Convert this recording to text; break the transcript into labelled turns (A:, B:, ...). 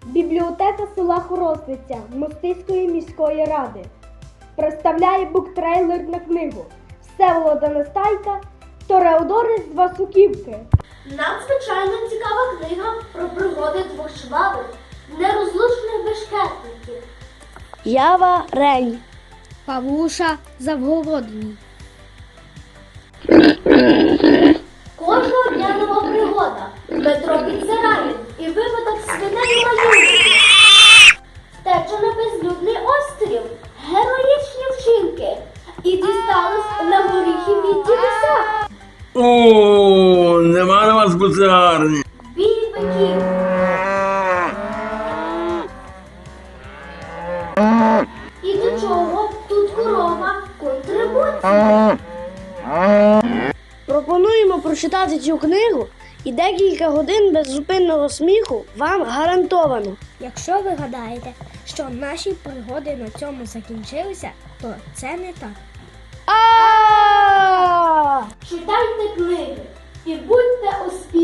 A: Бібліотека села Хоросниця Мостиської міської ради представляє буктрейлер на книгу Всеволода Нестайка «Тореодори з Васуківки».
B: Надзвичайно цікава книга про пригоди двох швабр, нерозлучних бешкетників.
C: Ява Рень.
A: Павлуша Завгородній.
B: Кожного дня нова пригода. Метро підзирає і випадок свиней малюнки. Втеча на безлюдний острів. Героїчні вчинки. І дісталось на горіхи від дідуся.
D: О, нема на вас буцегарні.
B: Бій биків. І до чого тут корова контрибуція?
C: Пропонуємо прочитати цю книгу, і декілька годин беззупинного сміху вам гарантовано.
A: Якщо ви гадаєте, що наші пригоди на цьому закінчилися, то це не так.
C: А!
B: Читайте книги і будьте успішні.